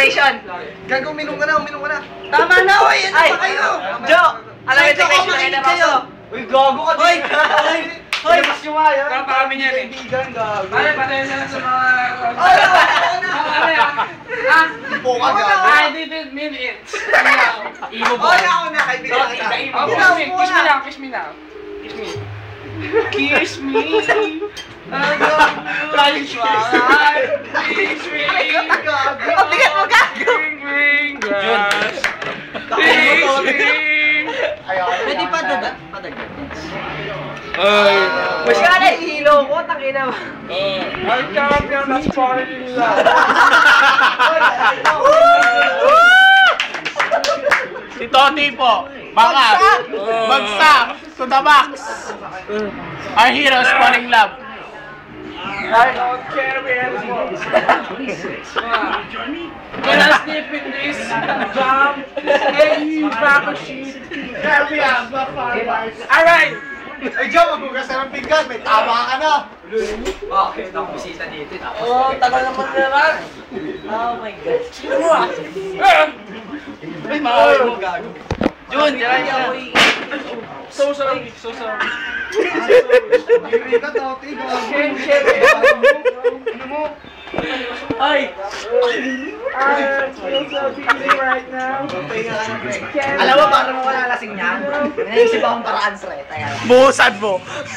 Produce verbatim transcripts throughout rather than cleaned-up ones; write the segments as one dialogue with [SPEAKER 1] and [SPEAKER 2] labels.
[SPEAKER 1] integration.
[SPEAKER 2] Gago, uminom ka na, uminom ka na.
[SPEAKER 1] Tama na, oy! Ano ba kayo? Jo! Alam mo integration na kayo.
[SPEAKER 2] Uy, gago ka din.
[SPEAKER 1] Hoy! Hoy!
[SPEAKER 2] Labas nyo nga yan.
[SPEAKER 3] Kaya pa kami niyan eh.
[SPEAKER 2] Kaibigan, gago.
[SPEAKER 3] Pare, patay na lang sa mga...
[SPEAKER 1] Ay, ako na!
[SPEAKER 3] Ano yan? Ah?
[SPEAKER 2] Ipo ka, gago.
[SPEAKER 3] I didn't mean it. Imo
[SPEAKER 1] Oh, ako na, kaibigan ka.
[SPEAKER 3] Oh, kiss me, kiss me now, kiss me now. Kiss me. Kiss me. Flying swan. Kiss me.
[SPEAKER 1] Pabigat mo, gago!
[SPEAKER 3] Ring, ring, grass. Ring, ring.
[SPEAKER 1] Pwede pa dagat? Padagat.
[SPEAKER 3] Ay.
[SPEAKER 1] Masyala yung hilo ko, takina mo.
[SPEAKER 3] I can't get that falling love.
[SPEAKER 4] Si Toti po, bakit? Bagsak! To the box! Our heroes falling love.
[SPEAKER 3] I don't care anymore. Can I sleep in this jam? Hey, you back of shit. There we are, the farmers. Alright!
[SPEAKER 2] Ay, Joe, maghugas na ng pinggan. May tama ka na.
[SPEAKER 1] Bakit? Ako bisita dito.
[SPEAKER 3] Oh, tagal naman naman.
[SPEAKER 1] Oh my God.
[SPEAKER 3] Sino mo ah?
[SPEAKER 1] Ay, makawin mo, gago.
[SPEAKER 3] Jun, yan yan. So sorry, so sorry.
[SPEAKER 2] Hindi ka, Toti, gago.
[SPEAKER 3] Shame, shame. Ano mo?
[SPEAKER 1] Ay!
[SPEAKER 3] I feel so busy right now.
[SPEAKER 1] Alam mo, para mo wala lasing niya? Naisip akong paraan, Sre. Taya lang.
[SPEAKER 4] Buhusan mo.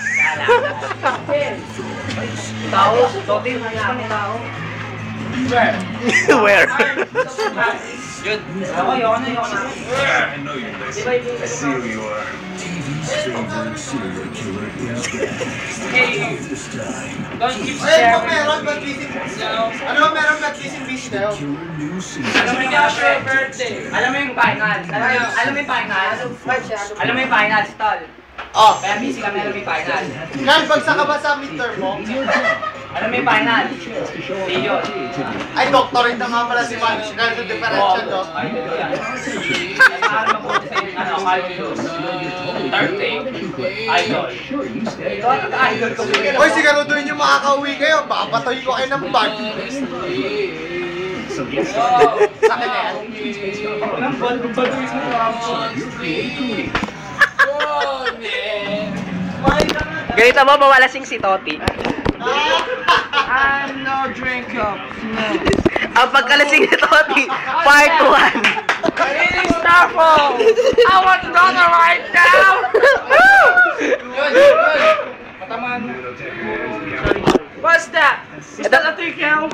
[SPEAKER 1] Tao? Toti, mayami tao.
[SPEAKER 3] Where?
[SPEAKER 4] Where?
[SPEAKER 1] Yun. Ako, yun na, yun na.
[SPEAKER 5] I know you listen. I see who you are. T V's favorite serial killer is back.
[SPEAKER 3] Hey,
[SPEAKER 5] This time,
[SPEAKER 3] don't keep
[SPEAKER 2] Ay, ano
[SPEAKER 3] sharing.
[SPEAKER 2] meron? Ba't kissing? Ano meron? Ba't kissing beach na yun?
[SPEAKER 5] killer new season.
[SPEAKER 3] Alam mo yung happy birthday.
[SPEAKER 1] Alam mo yung final? Alam mo yung, alam mo yung final? Alam mo yung final, stall.
[SPEAKER 2] Oh.
[SPEAKER 1] Kaya busy kami, alam mo yung final.
[SPEAKER 2] Carl, bagsak ka ba sa midterm mo?
[SPEAKER 1] Alam mo yung final? Di yun.
[SPEAKER 2] Ay, doctorate na nga pala si Man. Carl, yung differential, no?
[SPEAKER 1] Ay, ito yan. Kaya mabuti sa yung, ano, calculus. Third thing, idol. Ito ang idol ko.
[SPEAKER 2] Hoy, siguraduhin yung makakauwi kayo. Baka patuloy ko kayo ng bag. Sa akin na yan.
[SPEAKER 3] Ang baduis mo
[SPEAKER 1] Ganito mo, mawalasing si Toti.
[SPEAKER 3] I'm no drink up.
[SPEAKER 1] Ang pagkalasing ni Toti, part one.
[SPEAKER 3] It is Starfall. I want Donna right now. Patamaan mo. What's that? Is that a trickle?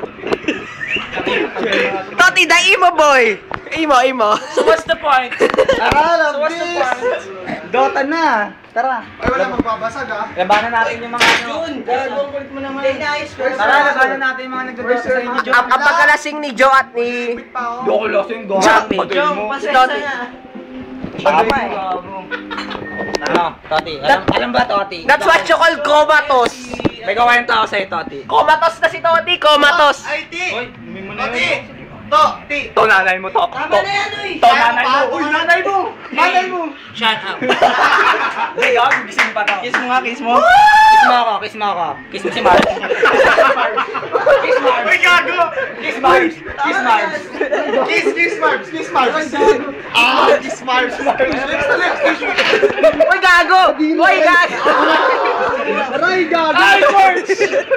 [SPEAKER 1] Toti, the emo boy! Emo, emo.
[SPEAKER 3] So what's the point?
[SPEAKER 2] Tara,
[SPEAKER 3] So what's the point?
[SPEAKER 1] Dota na. Tara.
[SPEAKER 2] Ay, wala magbabasag, ha?
[SPEAKER 1] Labanan natin yung mga ano.
[SPEAKER 3] Gagawin kulit mo naman.
[SPEAKER 1] Tara, labanan natin yung mga nagdodota sa inyo. Ang, ang pagkalasing ni Joe at ni...
[SPEAKER 2] Pa, oh.
[SPEAKER 4] Doko lasing go.
[SPEAKER 1] Joe, si Toti.
[SPEAKER 4] Tama eh.
[SPEAKER 1] Ano, Toti? Alam, alam ba, Toti? That's what you call comatose. May gawain tao sa'yo, Toti. Comatose na si Toti, comatose.
[SPEAKER 2] Ay, Ti!
[SPEAKER 4] Uy, hindi mo na
[SPEAKER 2] Toti!
[SPEAKER 4] yun.
[SPEAKER 2] To, Ti!
[SPEAKER 4] To nanay mo to.
[SPEAKER 1] Tama na yan, uy.
[SPEAKER 4] To nanay mo.
[SPEAKER 2] Uy, nanay mo! Nanay mo!
[SPEAKER 1] Shut up. Hindi, yun. Gising pa to. Kiss mo nga, kiss mo. Kiss mo ako, kiss mo ako. Kiss mo si Mars. Kiss Mars.
[SPEAKER 2] Uy, gago!
[SPEAKER 1] Kiss Mars. Kiss Mars.
[SPEAKER 2] Kiss, kiss, Marbs! Kiss, Marbs! Ah, kiss, Marbs! Lips to lips!
[SPEAKER 1] Uy, gago! Uy, gago!
[SPEAKER 2] Aray, gago!
[SPEAKER 3] Ay, words!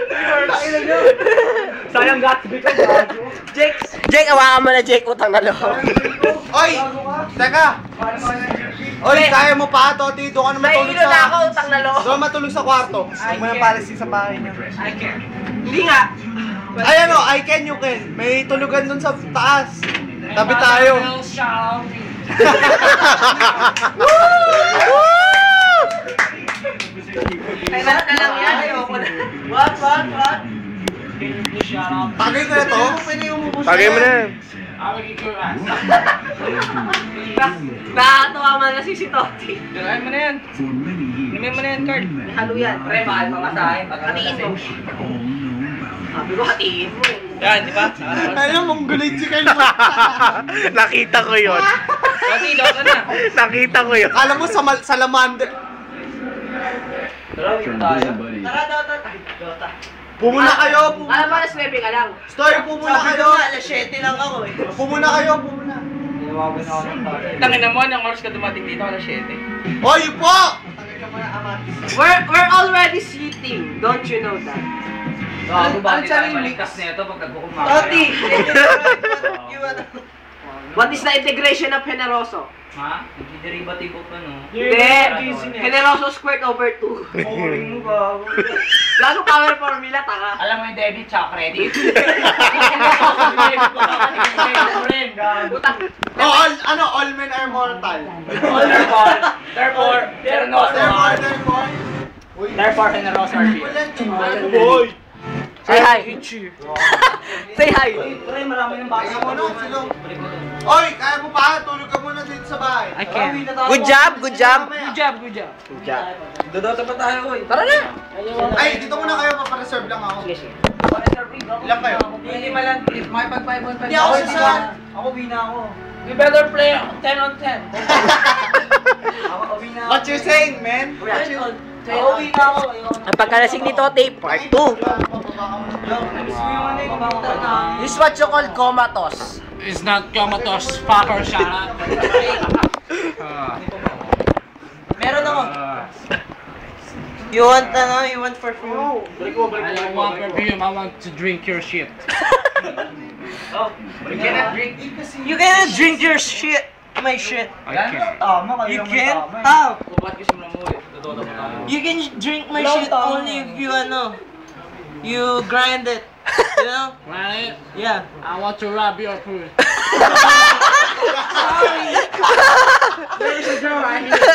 [SPEAKER 4] Sayang Gatsby ka, gago.
[SPEAKER 1] Jake! Jake, awakan mo na, Jake. Utang na loob.
[SPEAKER 2] Oy! Teka! Oy, kaya mo pa, Toti. Doon ka na matulog
[SPEAKER 1] Nahihilo na ako,
[SPEAKER 2] sa...
[SPEAKER 1] utang na loob.
[SPEAKER 2] Doon matulog sa kwarto.
[SPEAKER 3] I
[SPEAKER 2] Huwag mo na
[SPEAKER 3] can't.
[SPEAKER 2] palisin sa bahay niya.
[SPEAKER 3] I can't. Hindi nga.
[SPEAKER 2] Ay, ano, I can, you can. May tulugan doon sa taas. Tabi tayo.
[SPEAKER 1] Ay, lahat na lang yan. Ayoko na. What, what, what?
[SPEAKER 2] Tagay ko na to.
[SPEAKER 4] Tagay mo na yan.
[SPEAKER 1] Nakakatawa man na si si Toti.
[SPEAKER 3] Dalayan mo na yan. Inumin mo na yan, Card.
[SPEAKER 1] Halo yan. Pre, mahal pa nga sa akin. Hatiin mo. Sabi ko, hatiin mo eh.
[SPEAKER 3] Yan, di ba?
[SPEAKER 2] Ano, mongolid si Carl.
[SPEAKER 4] Nakita ko yun.
[SPEAKER 3] Toti, Dota na.
[SPEAKER 4] Nakita ko yun.
[SPEAKER 2] Alam mo, sa mal- salamander.
[SPEAKER 1] Tara, Dota. Ay, Dota.
[SPEAKER 2] Pumuna kayo! Pumuna.
[SPEAKER 1] Alam mo, alas nuwebe ka lang.
[SPEAKER 2] Story, pumuna
[SPEAKER 1] Sabi
[SPEAKER 2] kayo!
[SPEAKER 1] ko nga, alas siyete lang ako eh.
[SPEAKER 2] Pumuna kayo, pumuna!
[SPEAKER 4] Tangin na mo, anong oras ka dumating dito? Alas siyete.
[SPEAKER 2] Hoy, yun po!
[SPEAKER 1] We're, we're already sleeping. Don't you know that?
[SPEAKER 3] Gago ba tayo maligtas na ito pag nagkukumaka?
[SPEAKER 1] Toti! What is the integration of Generoso?
[SPEAKER 3] Ha? Nagdiderivative of ano?
[SPEAKER 1] Hindi! Generoso squared over two.
[SPEAKER 3] Boring mo ba?
[SPEAKER 1] Gano'ng power formula, taka?
[SPEAKER 3] Alam mo yung debit tsaka credit?
[SPEAKER 1] Utang.
[SPEAKER 2] Oh, all, ano, all men are mortal.
[SPEAKER 3] Therefore, therefore, generoso
[SPEAKER 2] Therefore,
[SPEAKER 3] are.
[SPEAKER 2] therefore.
[SPEAKER 3] Therefore, generoso are here.
[SPEAKER 2] Boy!
[SPEAKER 1] Say hi! Say hi!
[SPEAKER 3] Pre, marami ng
[SPEAKER 2] Kaya mo na, silong. Oy, kaya mo pa, tulog ka muna dito sa bahay.
[SPEAKER 1] I can. Good job, good job.
[SPEAKER 2] Good
[SPEAKER 3] job, good job.
[SPEAKER 1] Good job.
[SPEAKER 3] Dodota pa tayo, oy.
[SPEAKER 1] Tara na!
[SPEAKER 2] Ay, dito muna kayo, mapareserve lang ako.
[SPEAKER 1] Sige, sige.
[SPEAKER 2] Ilan kayo?
[SPEAKER 3] Hindi malang, may pag five on five.
[SPEAKER 2] Hindi ako sasal.
[SPEAKER 3] Ako wina ako. You better play ten on ten. Ako wina ako.
[SPEAKER 2] What you saying, man?
[SPEAKER 3] What you Ako wina ako.
[SPEAKER 1] Ang pagkalasing ni Tote, part two.
[SPEAKER 3] Namiss mo yung ano yung computer na.
[SPEAKER 1] This is what you call comatose.
[SPEAKER 4] It's not comatose, fucker, shut up.
[SPEAKER 3] Meron ako.
[SPEAKER 1] You want, ano, you want perfume?
[SPEAKER 4] I don't want perfume, I want to drink your shit.
[SPEAKER 3] Oh, you cannot drink.
[SPEAKER 1] You cannot drink your shit. My shit.
[SPEAKER 4] I can't.
[SPEAKER 3] Tama,
[SPEAKER 1] You can't? How?
[SPEAKER 3] Kubat kasi mo na mo eh. Dodota pa tayo.
[SPEAKER 1] You can drink my
[SPEAKER 3] Long
[SPEAKER 1] shit
[SPEAKER 3] time.
[SPEAKER 1] only if you, ano, you grind it. You know?
[SPEAKER 4] Right?
[SPEAKER 1] Yeah.
[SPEAKER 4] I want to rub your food. There's a girl right here.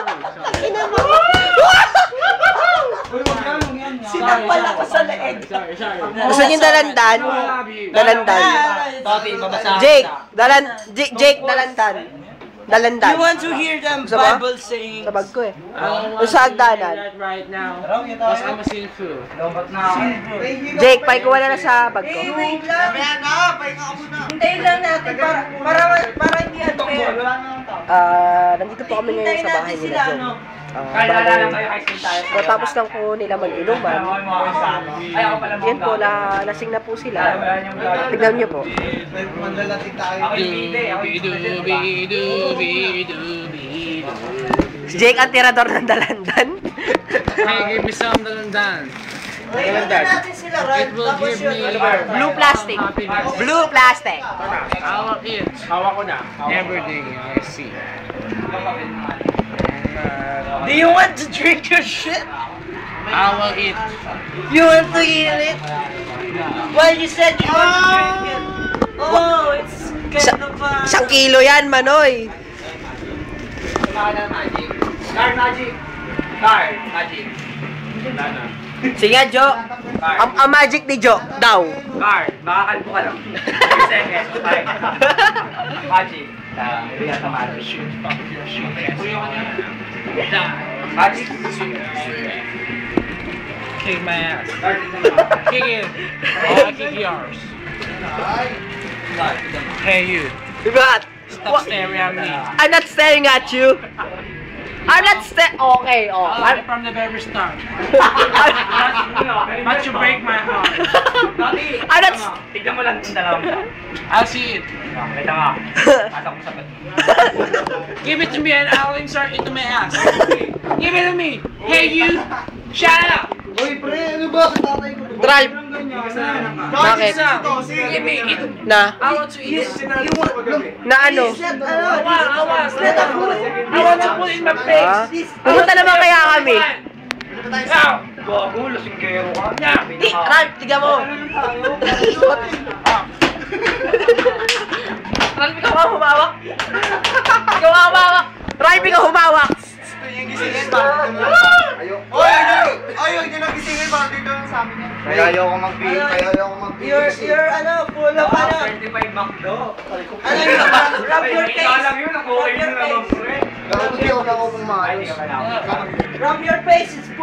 [SPEAKER 1] Sinakpal ako sa leeg.
[SPEAKER 4] Sorry, sorry.
[SPEAKER 1] Gusto niyo dalandan?
[SPEAKER 4] I love you.
[SPEAKER 1] Dalandan.
[SPEAKER 3] Toti, babasahan
[SPEAKER 1] Jake,
[SPEAKER 3] kita.
[SPEAKER 1] dalan, J- Jake, dalandan. Dalandan.
[SPEAKER 6] You want to hear them
[SPEAKER 1] Gusto mo?
[SPEAKER 6] Bible saying?
[SPEAKER 1] Sa bag ko eh.
[SPEAKER 4] I don't
[SPEAKER 1] Yung
[SPEAKER 4] want
[SPEAKER 1] sa
[SPEAKER 4] to hear
[SPEAKER 1] hagdanan.
[SPEAKER 4] that right now. Because I'm a sinful.
[SPEAKER 3] Lobat na ako.
[SPEAKER 1] Jake, paikuha na lang sa bag ko.
[SPEAKER 6] Eh, wait lang.
[SPEAKER 2] Mamaya na, pahinga ka muna.
[SPEAKER 6] Hintayin lang natin para para para hindi unfair.
[SPEAKER 1] Ah, nandito po kami ngayon
[SPEAKER 6] Hintayin
[SPEAKER 1] sa bahay
[SPEAKER 6] natin
[SPEAKER 1] nila,
[SPEAKER 6] sila,
[SPEAKER 1] John.
[SPEAKER 6] ano?
[SPEAKER 1] Ah,
[SPEAKER 3] Kaya
[SPEAKER 1] bali,
[SPEAKER 3] lang tayo kahit tayo.
[SPEAKER 1] matapos lang po nila mag-inuman.
[SPEAKER 3] Ay, ako pala mga
[SPEAKER 1] Yan po, la, lasing na po sila.
[SPEAKER 3] Wala niyong gagawin.
[SPEAKER 1] Tignan niyo po.
[SPEAKER 2] Mandalating tayo.
[SPEAKER 3] Ako yung bide. Ako yung
[SPEAKER 4] Dooby-dooby-dooby-doo.
[SPEAKER 1] Si Jake ang tirador ng dalandan.
[SPEAKER 4] Hey, give me some dalandan.
[SPEAKER 6] Hintayin natin sila, right?
[SPEAKER 4] It will
[SPEAKER 6] Tapos
[SPEAKER 4] give me
[SPEAKER 6] yun.
[SPEAKER 1] Blue plastic.
[SPEAKER 4] happiness.
[SPEAKER 1] Blue plastic.
[SPEAKER 4] I will eat. Hawak ko na. Everything I see.
[SPEAKER 6] Do you want to drink your shit?
[SPEAKER 4] I will eat.
[SPEAKER 6] You want to eat it? Well, you said you want to drink it. Oh, it's kind of uh...
[SPEAKER 1] Isang kilo yan, Manoy.
[SPEAKER 3] magic. Card magic. Card magic.
[SPEAKER 1] Sige nga, Jo. Ang, ang magic ni Jo, daw.
[SPEAKER 3] Card. Makakalbo ka lang. thirty seconds. Five. Magic. Ah, bigat na magic. Magic.
[SPEAKER 4] Kick my ass.
[SPEAKER 3] Card naman.
[SPEAKER 4] Kick it. I'll kick yours. Hey you.
[SPEAKER 1] Diba?
[SPEAKER 4] Stop staring at me.
[SPEAKER 1] I'm not staring at you. I'm not sta- Okay, oh.
[SPEAKER 4] I
[SPEAKER 1] I'm,
[SPEAKER 4] like from the very start. But you break my heart.
[SPEAKER 3] Dati.
[SPEAKER 1] I'm not... s-
[SPEAKER 3] Tignan mo lang yung dalawang mo.
[SPEAKER 4] I'll see it.
[SPEAKER 3] Kita ka. Pasok mo sa bed.
[SPEAKER 4] Give it to me and I'll insert it to my ass. Give it to me. Hey you. Shut up.
[SPEAKER 2] Uy, pre, ano ba? Tatay ko.
[SPEAKER 1] Drive. Bakit?
[SPEAKER 4] Give me it.
[SPEAKER 1] Na?
[SPEAKER 4] I want to eat it.
[SPEAKER 1] Na ano?
[SPEAKER 6] Ano?
[SPEAKER 4] I want, I want. I want to put it in my face.
[SPEAKER 1] Ha? Pumunta naman kaya kami.
[SPEAKER 4] Now.
[SPEAKER 3] Gago, lasinggero ka.
[SPEAKER 4] Now.
[SPEAKER 1] Di, Ralph, tiga mo. Ralph, ikaw ang humawak. Ikaw ang humawak. Ralph, ikaw humawak.
[SPEAKER 2] Gusto niyang gisingin, bakit dito lang sa amin? Oy, ayaw! Ayaw niya lang gisingin, bakit dito lang sa amin? Kaya ayaw ko mag-beat, kaya ayaw ko mag-beat.
[SPEAKER 6] You're, you're, ano, full of, ano,
[SPEAKER 3] thirty-five McDo.
[SPEAKER 6] ano yun, rub your
[SPEAKER 3] Ikaw
[SPEAKER 6] face.
[SPEAKER 3] lang yun,
[SPEAKER 6] Rub
[SPEAKER 3] nakuha
[SPEAKER 6] your
[SPEAKER 3] yun na
[SPEAKER 6] face.
[SPEAKER 3] lang.
[SPEAKER 2] Gagawin ko na ako kung
[SPEAKER 3] Ay,
[SPEAKER 2] maayos.
[SPEAKER 3] hindi ka kailangan.
[SPEAKER 6] Rub your face, it's